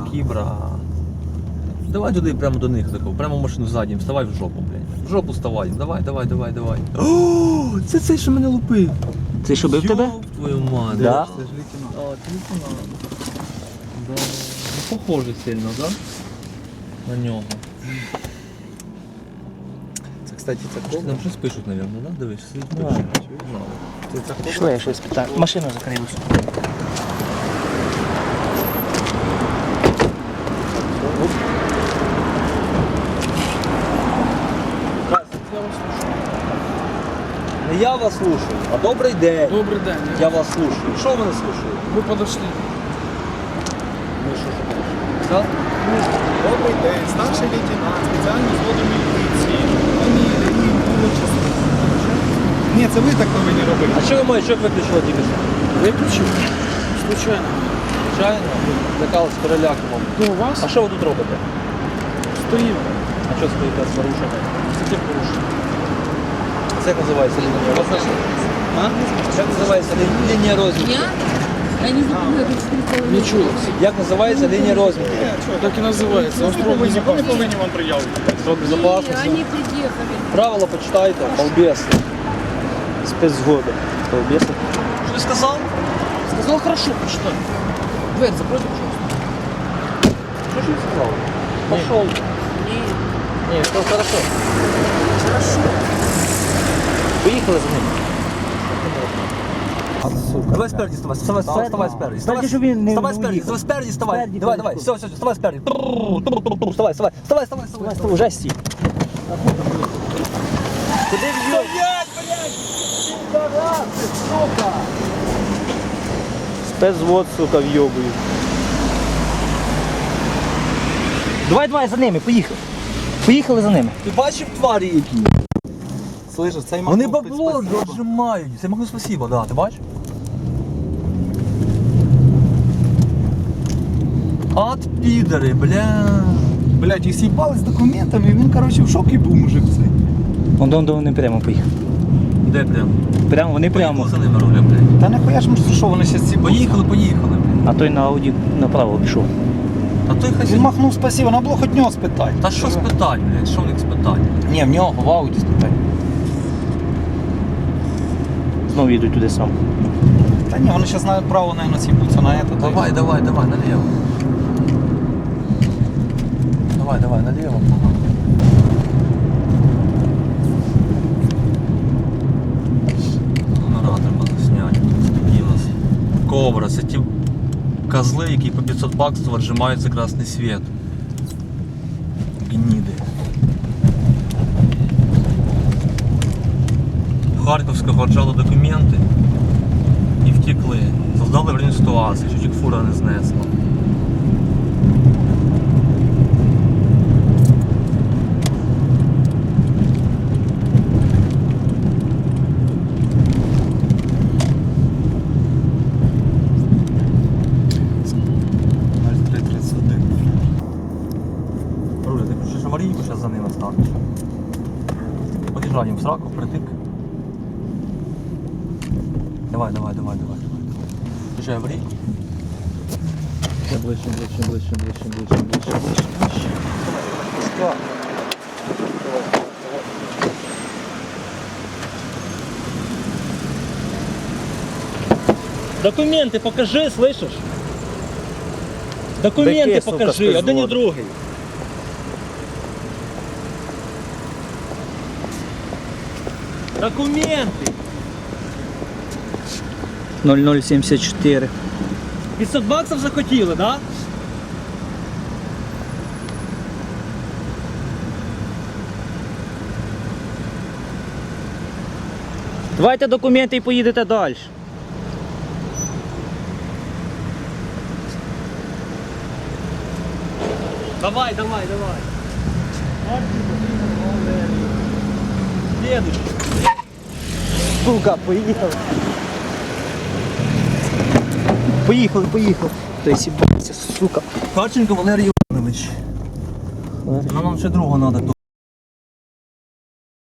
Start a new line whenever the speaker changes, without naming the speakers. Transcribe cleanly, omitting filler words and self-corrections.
Такі, брат. Давай туди, прямо до них, тако, прямо в машину ззаді, вставай в жопу, блядь. В жопу вставай, давай. О, це цей, що мене лупив.
Це що бив тебе?
Йоп твою мать.
Да?
Це ж лейтенант. А, це лейтенант. Да. Ну, похоже сильно, да? На нього.
Це, кстати, це кого?
Нам щось пишуть, мабуть, да? Дивись, сидить
Да.
пишуть.
Це кого?
Пішли, я щось питаю. Машину закрилась.
Не я вас слушаю, а добрий день.
Добрый день.
Я вас слушаю. Що ви мене слушаєте?
Вы подошли.
Ну що ж? Так?
Добрий день, старший лейтенант, спеціальний взводу міліції. Фамілія, отчество. Ні, це ви так повинні робити.
А що ви маєте, що виключили тільки що?
Выключил. Случайно.
Звичайно, лякали з переляком.
Ну, у вас
А що ви тут робите?
стоим.
А що стоїте з порушенням? Скільки порушень? Це як називається лінія розміру?
А?
Як називається лінія розміру?
Я не запомнила, как 4,5.
Не чула.
Як називається лінія розміру?
Так и называется.
Ви не повинні вам приявити.
Срок безопасності.
Они приехали.
Правила почитайте, балбеси.
Спецзгода. Столбеса.
Що ти сказав?
Сказал хорошо, почитай. Дверь закройте, пожалуйста.
Що ж він сказав? Пошел. Ні, сказав хорошо.
Хорошо.
Поїхали за ним.
Сука.
Давай спереді, вставай спереді.
Спереді, щоб він не
Вставай спереді,
уїхав.
спереді, вставай.
Спереді,
Давай,
спереді.
все, вставай спереді. Вставай.
Уже стій.
Куди в'їв?
Спецвод, сука, в'йобую. Давай за ними, поїхали. Поїхали за ними.
Ти бачив тварі які?
Слышиш, цей
Вони
махнув
бабло
під спасибо.
отжимають. Це могу спасибо, да, ти бачиш? От підери, бля.
Блядь, і с'їбали з документами, і він, коротше, в шокі був мужик цей.
Вон вони прямо поїхали.
Де прям?
Прямо, вони прямо.
Поїхали за ними руля, блядь.
Та нахуя ж, що вони ще с'їбали?
Поїхали, блядь.
А той на Ауді направо пішов.
А той хай
Він
сидить.
махнув спасибо, треба було хоч нього спитати.
Та що спитать, блядь, що в них спитать?
Ні, в нього в ауді спитати.
Знову їдуть туди сам.
Та ні, вони зараз знають право, наверное, с'їбуться на это.
Давай, налево. Давай, налево. Генератор можна зняти. Такі у нас Кобра. Це ті козли, які по 500 баксів отжимають за красний світ. Гніди. Харківського отжали документи і втекли. Создали аварійну ситуацію, чуть фура не знесла. Руля, ти включиш аварійку, зараз за ними станеш. Под'їжджай їм в сраку, притик. Давай. Включай аварійку.
Ближче.
Документы покажи, слышишь? Документы
Таке, сука,
покажи, один і
спецзвод.
другий. Документы.
0074.
500 баксів захотіли, да?
Давайте документи і поїдете далі.
Давай. Следующий.
Сука, поїхали. Поїхали. Той сібався, сука.
Харченко Валерій Іванович. Нам ще другого треба.